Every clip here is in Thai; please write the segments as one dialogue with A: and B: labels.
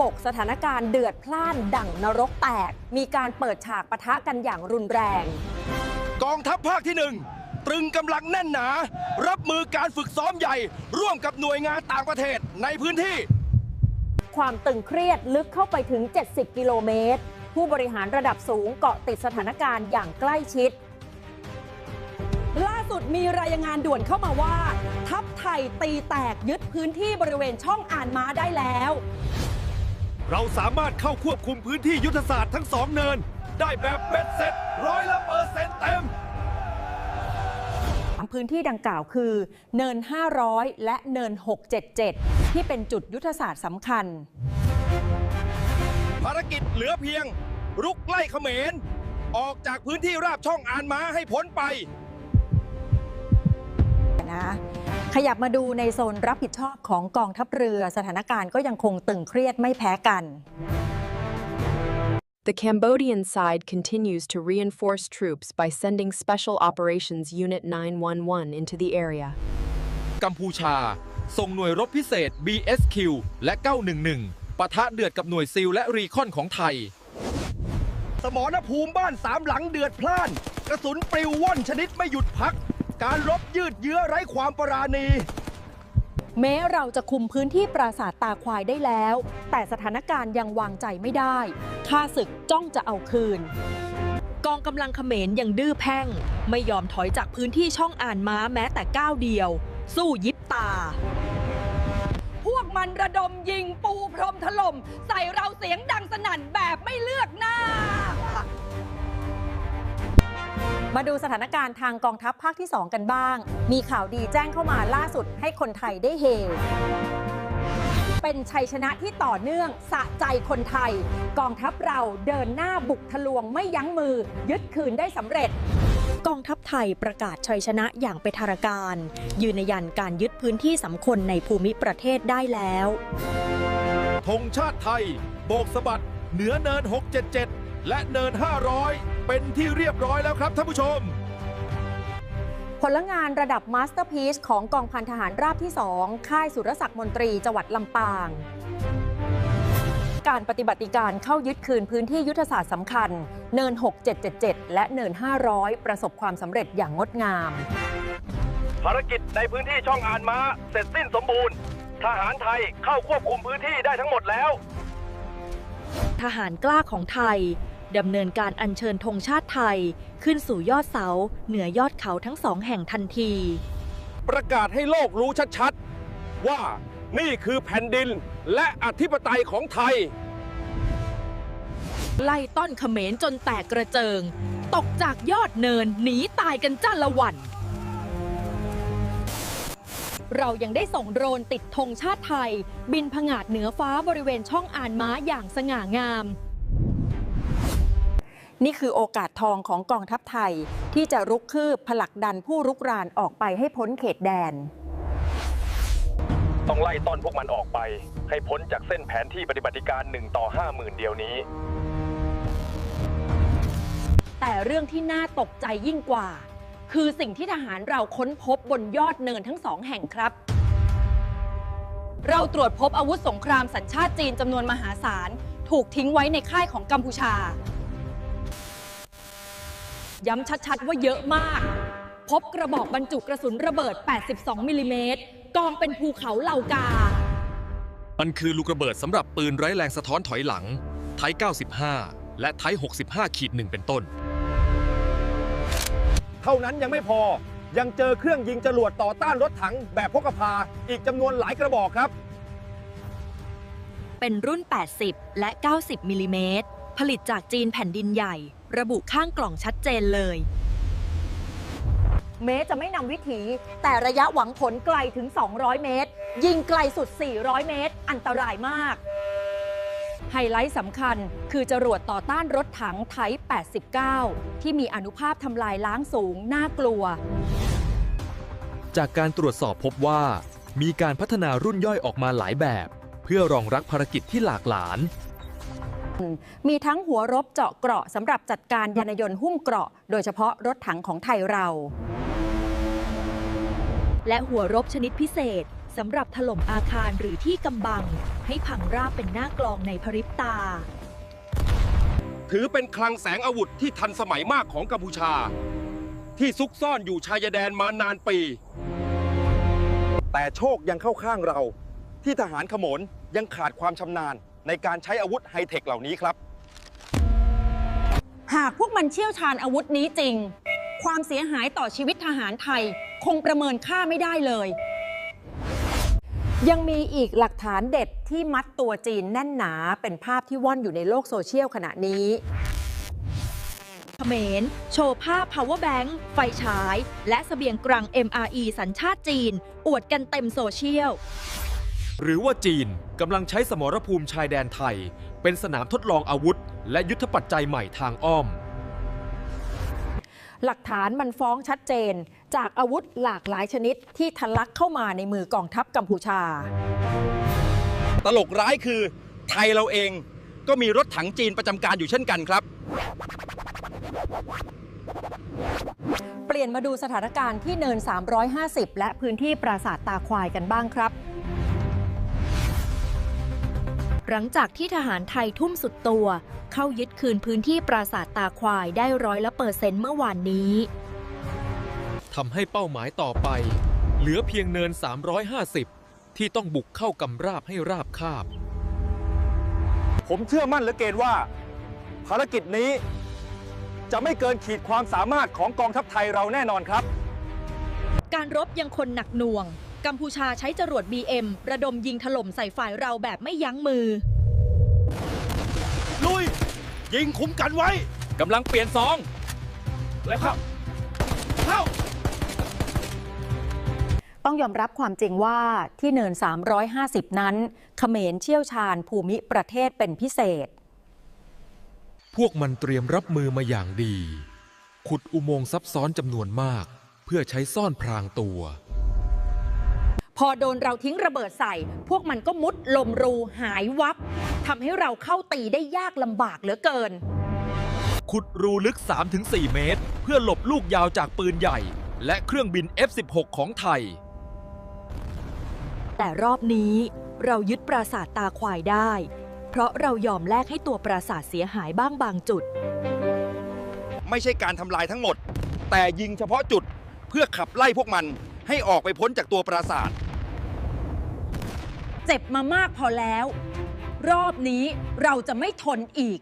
A: บกสถานการณ์เดือดพล่านดั่งนรกแตกมีการเปิดฉากปะทะกันอย่างรุนแรง
B: กองทัพภาคที่ 1 ตรึงกำลังแน่นหนารับมือการฝึกซ้อมใหญ่ร่วมกับหน่วยงานต่างประเทศในพื้นที่
A: ความตึงเครียดลึกเข้าไปถึง70กิโลเมตรผู้บริหารระดับสูงเกาะติดสถานการณ์อย่างใกล้ชิดล่าสุดมีรายงานด่วนเข้ามาว่าทัพไทยตีแตกยึดพื้นที่บริเวณช่องอ่านม้าได้แล้ว
B: เราสามารถเข้าควบคุมพื้นที่ยุทธศาสตร์ทั้ง2เนินได้แบบเบ็ดเสร็จ100%เต็ม
A: พื้นที่ดังกล่าวคือเนิน500และเนิน677ที่เป็นจุดยุทธศาสตร์สำคัญ
B: ภารกิจเหลือเพียงรุกไล่เขมรออกจากพื้นที่ราบช่องอ่านม้าให้พ้นไป
A: ขยับมาดูในโซนรับผิดชอบของกองทัพเรือสถานการณ์ก็ยังคงตึงเครียดไม่แพ้กัน
C: The Cambodian side continues to reinforce troops by sending Special Operations Unit 911 into the area.
B: กัมพูชาส่งหน่วยรบพิเศษ BSQ และ911ปะทะเดือดกับหน่วยซีลและรีคอนของไทยสมรภูมิบ้าน3หลังเดือดพล่านกระสุนปลิวว่อนชนิดไม่หยุดพักการรบยืดเยื้อไร้ความปราณี
A: แม้เราจะคุมพื้นที่ปราสาทตาควายได้แล้วแต่สถานการณ์ยังวางใจไม่ได้ข้าศึกจ้องจะเอาคืนกองกำลังเขมรยังดื้อแพ่งไม่ยอมถอยจากพื้นที่ช่องอ่านม้าแม้แต่ก้าวเดียวสู้ยิบตาพวกมันระดมยิงปูพรมถล่มใส่เราเสียงดังสนั่นแบบไม่เลือกหน้ามาดูสถานการณ์ทางกองทัพภาคที่ 2 กันบ้างมีข่าวดีแจ้งเข้ามาล่าสุดให้คนไทยได้เฮเป็นชัยชนะที่ต่อเนื่องสะใจคนไทยกองทัพเราเดินหน้าบุกทะลวงไม่ยั้งมือยึดคืนได้สำเร็จกองทัพไทยประกาศชัยชนะอย่างเป็นทางการยืนยันการยึดพื้นที่สำคัญในภูมิประเทศได้แล้ว
B: ธงชาติไทยโบกสะบัดเหนือเนิน677และเนิน500เป็นที่เรียบร้อยแล้วครับท่านผู้ชม
A: ผลงานระดับมาสเตอร์พีซของกองพันทหารราบที่ 2 ค่ายสุรศักดิ์มนตรีจังหวัดลำปางการปฏิบัติการเข้ายึดคืนพื้นที่ยุทธศาสตร์สำคัญเนิน6777และเนิน500ประสบความสำเร็จอย่างงดงาม
B: ภารกิจในพื้นที่ช่องอ่านม้าเสร็จสิ้นสมบูรณ์ทหารไทยเข้าควบคุมพื้นที่ได้ทั้งหมดแล้ว
A: ทหารกล้าของไทยดำเนินการอัญเชิญธงชาติไทยขึ้นสู่ยอดเสาเหนือยอดเขาทั้ง2แห่งทันที
B: ประกาศให้โลกรู้ชัดๆว่านี่คือแผ่นดินและอธิปไตยของไทย
A: ไล่ต้อนเขมรจนแตกกระเจิงตกจากยอดเนินหนีตายกันจ้าละวันเรายังได้ส่งโดรนติดธงชาติไทยบินผงาดเหนือฟ้าบริเวณช่องอ่านม้าอย่างสง่างามนี่คือโอกาสทองของกองทัพไทยที่จะรุกคืบผลักดันผู้รุกรานออกไปให้พ้นเขตแดน
B: ต้องไล่ต้อนพวกมันออกไปให้พ้นจากเส้นแผนที่ปฏิบัติการ1 ต่อ 50,000เดียวนี้
A: แต่เรื่องที่น่าตกใจยิ่งกว่าคือสิ่งที่ทหารเราค้นพบบนยอดเนินทั้ง2แห่งครับเราตรวจพบอาวุธสงครามสัญชาติจีนจำนวนมหาศาลถูกทิ้งไว้ในค่ายของกัมพูชาย้ำชัดๆว่าเยอะมากพบกระบอกบรรจุกระสุนระเบิด82มิลลิเมตรกองเป็นภูเขาเหล่ากา
B: มันคือลูกระเบิดสำหรับปืนไร้แรงสะท้อนถอยหลังไทป์95และไทป์65-1เป็นต้นเท่านั้นยังไม่พอยังเจอเครื่องยิงจรวดต่อต้านรถถังแบบพกพาอีกจำนวนหลายกระบอกครับ
A: เป็นรุ่น80และ90มิลลิเมตรผลิตจากจีนแผ่นดินใหญ่ระบุข้างกล่องชัดเจนเลยแม้จะไม่นำวิถีแต่ระยะหวังผลไกลถึง200เมตรยิงไกลสุด400เมตรอันตรายมากไฮไลท์สำคัญคือจรวดต่อต้านรถถังไทป์89ที่มีอานุภาพทำลายล้างสูงน่ากลัว
D: จากการตรวจสอบพบว่ามีการพัฒนารุ่นย่อยออกมาหลายแบบเพื่อรองรับภารกิจที่หลากหลาย
A: มีทั้งหัวรบเจาะเกราะสำหรับจัดการยานยนต์หุ้มเกราะโดยเฉพาะรถถังของไทยเราและหัวรบชนิดพิเศษสำหรับถล่มอาคารหรือที่กำบังให้พังราบเป็นหน้ากลองในพริบตา
B: ถือเป็นคลังแสงอาวุธที่ทันสมัยมากของกัมพูชา ที่ซุกซ่อนอยู่ชายแดนมานานปี แต่โชคยังเข้าข้างเรา ที่ทหารขโมนยังขาดความชำนาญในการใช้อาวุธไฮเทคเหล่านี้ครับ
A: หากพวกมันเชี่ยวชาญอาวุธนี้จริง ความเสียหายต่อชีวิตทหารไทยคงประเมินค่าไม่ได้เลย ยังมีอีกหลักฐานเด็ดที่มัดตัวจีนแน่นหนาเป็นภาพที่ว่อนอยู่ในโลกโซเชียลขณะนี้เขมรโชว์ภาพ power bank ไฟฉาย และเสบียงกลาง MRE สัญชาติจีน อวดกันเต็มโซเชียล
D: หรือว่าจีนกำลังใช้สมรภูมิชายแดนไทย เป็นสนามทดลองอาวุธ และยุทธปัจจัยใหม่ทางอ้อม
A: หลักฐานมันฟ้องชัดเจนจากอาวุธหลากหลายชนิดที่ทะลักเข้ามาในมือกองทัพกัมพูชา
B: ตลกร้ายคือไทยเราเองก็มีรถถังจีนประจำการอยู่เช่นกันครับ
A: เปลี่ยนมาดูสถานการณ์ที่เนิน 350 และพื้นที่ปราสาทตาควายกันบ้างครับ หลังจากที่ทหารไทยทุ่มสุดตัวเข้ายึดคืนพื้นที่ปราสาทตาควายได้100%เมื่อวานนี้
D: ทำให้เป้าหมายต่อไป เหลือเพียงเนิน 350 ที่ต้องบุกเข้ากำราบให้ราบคาบ
B: ผมเชื่อมั่นเหลือเกินว่า ภารกิจนี้จะไม่เกินขีดความสามารถของกองทัพไทยเราแน่นอนครับ
A: การรบยังคนหนักหน่วง กัมพูชาใช้จรวด BM ระดมยิงถล่มใส่ฝ่ายเราแบบไม่ยั้งมือ
B: ลุย ยิงคุ้มกันไว้กำลังเปลี่ยนซองแล้วครับเข้า
A: ต้องยอมรับความจริงว่าที่เนิน 350 นั้นเขมรเชี่ยวชาญภูมิประเทศเป็นพิเศษ
D: พวกมันเตรียมรับมือมาอย่างดี ขุดอุโมงค์ซับซ้อนจำนวนมาก เพื่อใช้ซ่อนพรางตัว
A: พอโดนเราทิ้งระเบิดใส่ พวกมันก็มุดลมรูหายวับทำให้เราเข้าตีได้ยากลำบากเหลือเกิน
D: ขุดรูลึก 3-4 เมตร เพื่อหลบลูกยาวจากปืนใหญ่ และเครื่องบิน F-16 ของไทย
A: แต่รอบนี้เรายึดปราสาทตาควายได้ เพราะเรายอมแลกให้ตัวปราสาทเสียหายบ้างบางจุด
B: ไม่ใช่การทำลายทั้งหมด แต่ยิงเฉพาะจุดเพื่อขับไล่พวกมันให้ออกไปพ้นจากตัวปราสาท
A: เจ็บมามากพอแล้ว รอบนี้เราจะไม่ทนอีก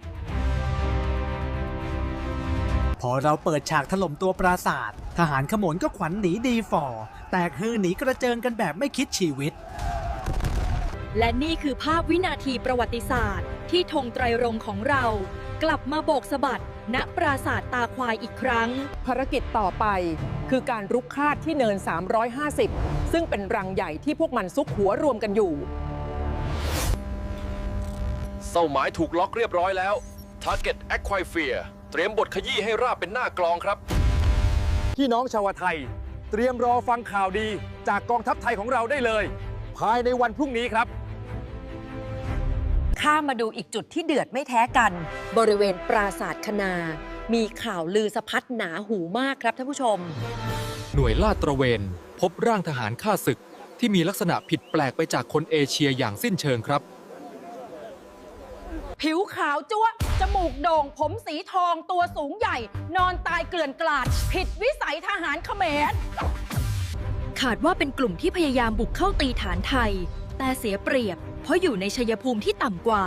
E: พอเราเปิดฉากถล่มตัวปราสาททหารขโมนก็ขวัญหนีดีฝ่อแตกฮือหนีกระเจิงกันแบบไม่คิดชีวิต
A: และนี่คือภาพวินาทีประวัติศาสตร์ที่ธงไตรรงค์ของเรากลับมาโบกสะบัดณปราสาทตาควายอีกครั้ง
F: ภารกิจต่อไปคือการรุกคาดที่เนิน 350 ซึ่งเป็นรังใหญ่ที่พวกมันซุกหัวรวมกันอยู่
B: เป้าหมายถูกล็อกเรียบร้อยแล้ว Target Acquire เตรียมบทขยี้ให้ราบเป็นหน้ากลองครับ พี่น้องชาวไทย เตรียมรอฟังข่าวดีจากกองทัพไทยของเราได้เลย ภายในวันพรุ่งนี้ครับ
A: ข้ามมาดูอีกจุดที่เดือดไม่แท้กัน บริเวณปราสาทคณา มีข่าวลือสะพัดหนาหูมากครับท่านผู้ชม
D: หน่วยลาดตระเวนพบร่างทหารฆ่าศึกที่มีลักษณะผิดแปลกไปจากคนเอเชียอย่างสิ้นเชิงครับ
A: ผิวขาวจั๊วะจมูกโด่ง ผมสีทอง ตัวสูงใหญ่ นอนตายเกลื่อนกลาด ผิดวิสัยทหารเขมรขาดว่าเป็นกลุ่มที่พยายามบุกเข้าตีฐานไทย แต่เสียเปรียบ เพราะอยู่ในชัยภูมิที่ต่ำกว่า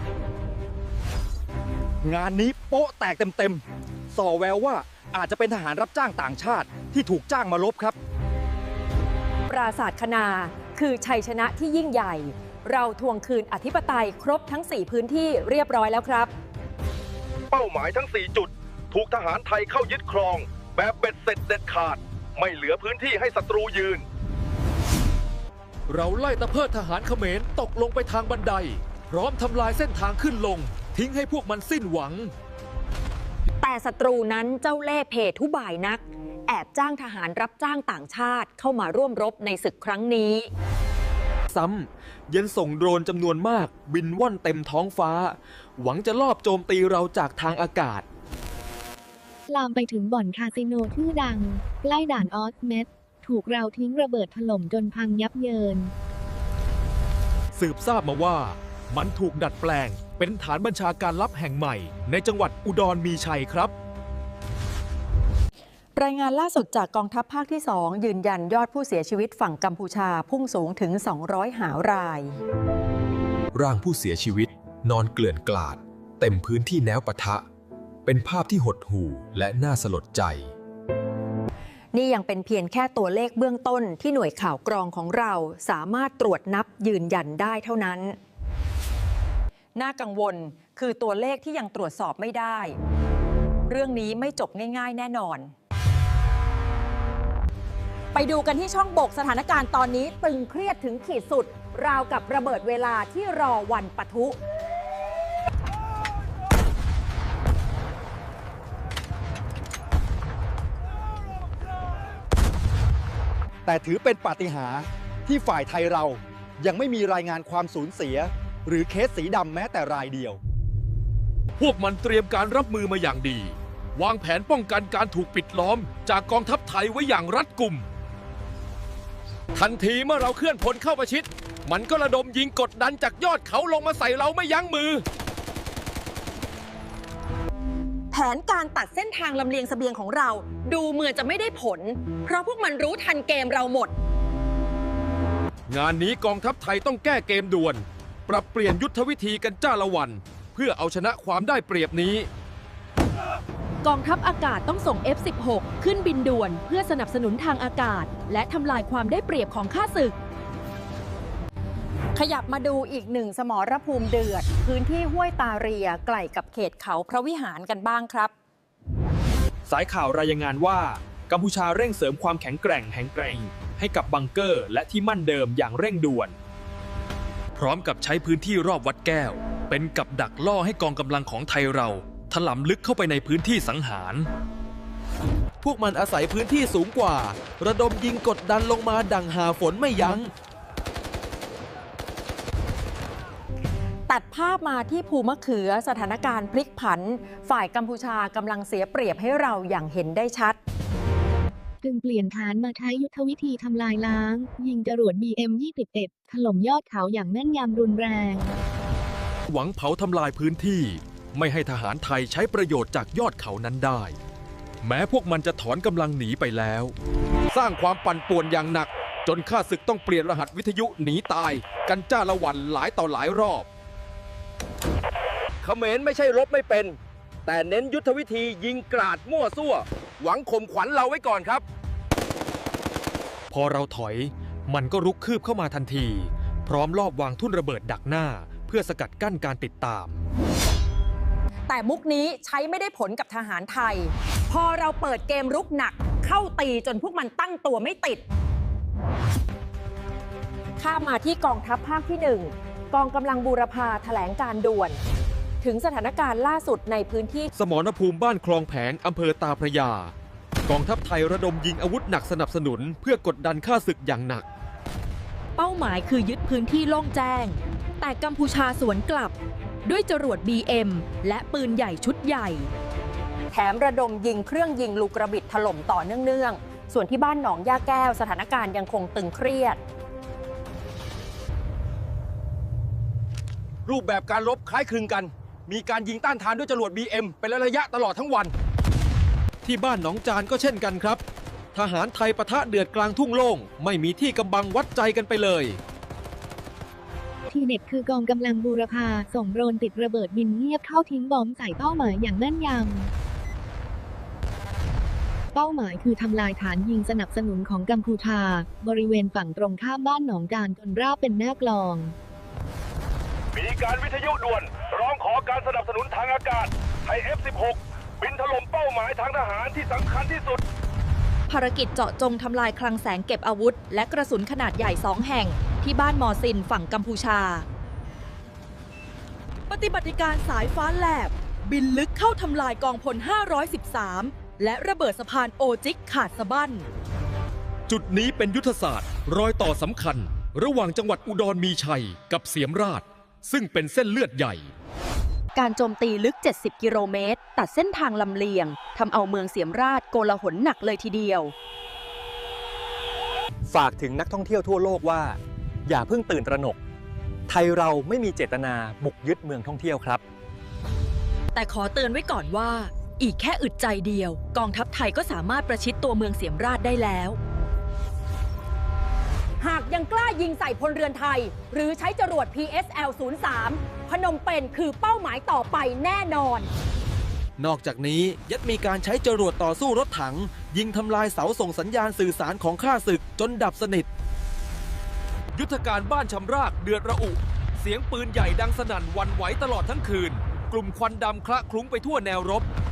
B: งานนี้โป๊ะแตกเต็มๆ ส่อแววว่าอาจจะเป็นทหารรับจ้างต่างชาติที่ถูกจ้างมารบครับ
A: ปราสาทคณาคือชัยชนะที่ยิ่งใหญ่ เราทวงคืนอธิปไตยครบทั้ง 4 พื้นที่เรียบร้อยแล้วครับ
B: เป้าหมายทั้ง 4 จุด ถูกทหารไทยเข้ายึดครอง แบบเบ็ดเสร็จเด็ดขาด ไม่เหลือพื้นที่ให้ศัตรูยืน
D: เราไล่ตะเพิดทหารเขมรตกลงไปทางบันได พร้อมทำลายเส้นทางขึ้นลง ทิ้งให้พวกมันสิ้นหวัง
A: แต่ศัตรูนั้นเจ้าเล่ห์เพทุบายนัก แอบจ้างทหารรับจ้างต่างชาติเข้ามาร่วมรบในศึกครั้งนี้
D: ซ้ำยังส่งโดรนจำนวนมากบินว่อนเต็มท้องฟ้า หวังจะลอบโจมตีเราจากทางอากาศ
G: ลามไปถึงบ่อนคาสิโนชื่อดัง ใกล้ด่านออสเมดถูกเราทิ้งระเบิดถล่มจนพังยับเยิน
D: สืบทราบมาว่ามันถูกดัดแปลงเป็นฐานบัญชาการลับแห่งใหม่ในจังหวัดอุดรมีชัยครับ
A: รายงานล่าสุดจากกองทัพภาคที่ 2 ยืนยันยอดผู้เสียชีวิตฝั่งกัมพูชาพุ่งสูงถึง 200 หาราย
H: ร่างผู้เสียชีวิตนอนเกลื่อนกลาดเต็มพื้นที่แนวปะทะเป็นภาพที่หดหู่และน่าสลดใจ
A: นี่ยังเป็นเพียงแค่ตัวเลขเบื้องต้นที่หน่วยข่าวกรองของเราสามารถตรวจนับยืนยันได้เท่านั้น น่ากังวลคือตัวเลขที่ยังตรวจสอบไม่ได้ เรื่องนี้ไม่จบง่ายๆแน่นอน ไปดูกันที่ช่องบกสถานการณ์ตอนนี้ตึงเครียดถึงขีดสุดราวกับระเบิดเวลาที่รอวันปะทุ
B: แต่ถือเป็นปาฏิหาริย์ที่ฝ่ายไทยเรายังไม่มีรายงานความสูญเสีย หรือเคสสีดำแม้แต่รายเดียว
D: พวกมันเตรียมการรับมือมาอย่างดี วางแผนป้องกันการถูกปิดล้อมจากกองทัพไทยไว้อย่างรัดกุม ทันทีเมื่อเราเคลื่อนพลเข้าประชิดมันก็ระดมยิงกดดันจากยอดเขาลงมาใส่เราไม่ยั้งมือ
A: แผนการตัดเส้นทางลำเลียงเสบียงของเราดูเหมือนจะไม่ได้ผล เพราะพวกมันรู้ทันเกมเราหมด
D: งานนี้กองทัพไทยต้องแก้เกมด่วน ปรับเปลี่ยนยุทธวิธีกันจ้าละวัน เพื่อเอาชนะความได้เปรียบนี้
A: กองทัพอากาศต้องส่ง F-16 ขึ้นบินด่วนเพื่อสนับสนุนทางอากาศ และทำลายความได้เปรียบของข้าศึก ขยับมาดูอีกหนึ่งสมรภูมิเดือด พื้นที่ห้วยตาเรียใกล้กับเขตเขาพระวิหารกันบ้างครับ
I: สายข่าวรายงานว่ากัมพูชาเร่งเสริมความแข็งแกร่งให้กับบังเกอร์และที่มั่นเดิมอย่างเร่งด่วน
D: พร้อมกับใช้พื้นที่รอบวัดแก้ว เป็นกับดักล่อให้กองกำลังของไทยเราถลำลึกเข้าไปในพื้นที่สังหาร
J: พวกมันอาศัยพื้นที่สูงกว่า ระดมยิงกดดันลงมาดังหาฝนไม่ยัง้ง
A: ตัดภาพมาที่ภูมะเขือสถานการณ์พลิกผัน ฝ่ายกัมพูชากำลังเสียเปรียบให้เราอย่างเห็นได้ชัด
G: จึงเปลี่ยนฐานมาใช้ยุทธวิธีทำลายล้าง ยิงจรวด BM-21 ถล่มยอดเขาอย่างแม่นยำรุนแรง
D: หวังเผาทำลายพื้นที่ไม่ให้ทหารไทยใช้ประโยชน์จากยอดเขานั้นได้ แม้พวกมันจะถอนกำลังหนีไปแล้ว สร้างความปั่นป่วนอย่างหนักจนข้าศึกต้องเปลี่ยนรหัสวิทยุหนีตายกันจ้าละวันหลายต่อหลายรอบ
B: เขมรไม่ใช่รบไม่เป็น แต่เน้นยุทธวิธียิงกราดมั่วซั่ว หวังข่มขวัญเราไว้ก่อนครับ
D: พอเราถอยมันก็รุกคืบเข้ามาทันที พร้อมลอบวางทุ่นระเบิดดักหน้าเพื่อสกัดกั้นการติดตาม
A: แต่มุกนี้ใช้ไม่ได้ผลกับทหารไทย พอเราเปิดเกมรุกหนักเข้าตีจนพวกมันตั้งตัวไม่ติด ข้ามมาที่กองทัพภาคที่ 1 กองกำลังบูรพาแถลงการด่วน ถึงสถานการณ์ล่าสุดในพื้นที่
D: สมรภูมิบ้านคลองแผงอำเภอตาพระยา กองทัพไทยระดมยิงอาวุธหนักสนับสนุนเพื่อกดดันข้าศึกอย่างหนัก
A: เป้าหมายคือยึดพื้นที่โล่งแจ้ง แต่กัมพูชาสวนกลับด้วยจรวด BM และปืนใหญ่ชุดใหญ่ แถมระดมยิงเครื่องยิงลูกระบิดถล่มต่อเนื่องๆ ส่วนที่บ้านหนองย่าแก้วสถานการณ์ยังคงตึงเครียด
B: รูปแบบการรบคล้ายคลึงกัน มีการยิงต้านทานด้วยจรวด BM เป็นระยะตลอดทั้งวัน
D: ที่บ้านหนองจานก็เช่นกันครับ ทหารไทยปะทะเดือดกลางทุ่งโล่งไม่มีที่กำบังวัดใจกันไปเลย
G: ทีเด็ดคือกองกำลังบูรพาส่งโดรนติดระเบิดบินเงียบเข้าทิ้งบอมใส่เป้าหมายอย่างแม่นยำ เป้าหมายคือทำลายฐานยิงสนับสนุนของกัมพูชาบริเวณฝั่งตรงข้ามบ้านหนองจานจนราบเป็นหน้ากลอง
K: มีการวิทยุด่วนร้องขอการสนับสนุนทางอากาศให้ F-16 บินถล่มเป้าหมายทางทหารที่สำคัญที่สุด
A: ภารกิจเจาะจงทำลายคลังแสงเก็บอาวุธและกระสุนขนาดใหญ่2 แห่งที่บ้านมอซินฝั่งกัมพูชา ปฏิบัติการสายฟ้าแลบบินลึกเข้าทำลายกองพล 513 และระเบิดสะพานโอจิกขาดสะบั้น
D: จุดนี้เป็นยุทธศาสตร์รอยต่อสำคัญระหว่างจังหวัดอุดรมีชัยกับเสียมราชซึ่งเป็นเส้นเลือดใหญ่
A: การโจมตีลึก 70 กิโลเมตรตัดเส้นทางลำเลียงทำเอาเมืองเสียมราชโกลาหลหนักเลยทีเดียว
L: ฝากถึงนักท่องเที่ยวทั่วโลกว่า อย่าเพิ่งตื่นตระหนก ไทยเราไม่มีเจตนาบุกยึดเมืองท่องเที่ยวครับ
A: แต่ขอเตือนไว้ก่อนว่า อีกแค่อึดใจเดียวกองทัพไทยก็สามารถประชิดตัวเมืองเสียมราชได้แล้ว
F: หากยังกล้ายิงใส่พลเรือนไทย หรือใช้จรวด PSL-03 พนมเปญคือเป้าหมายต่อไปแน่นอน
J: นอกจากนี้ยัดมีการใช้จรวดต่อสู้รถถัง ยิงทำลายเสาส่งสัญญาณสื่อสารของข้าศึกจนดับสนิท
D: ยุทธการบ้านชำรากเดือดระอุ เสียงปืนใหญ่ดังสนั่นหวันไหวตลอดทั้งคืน กลุ่มควันดำคละคลุ้งไปทั่วแนวรบ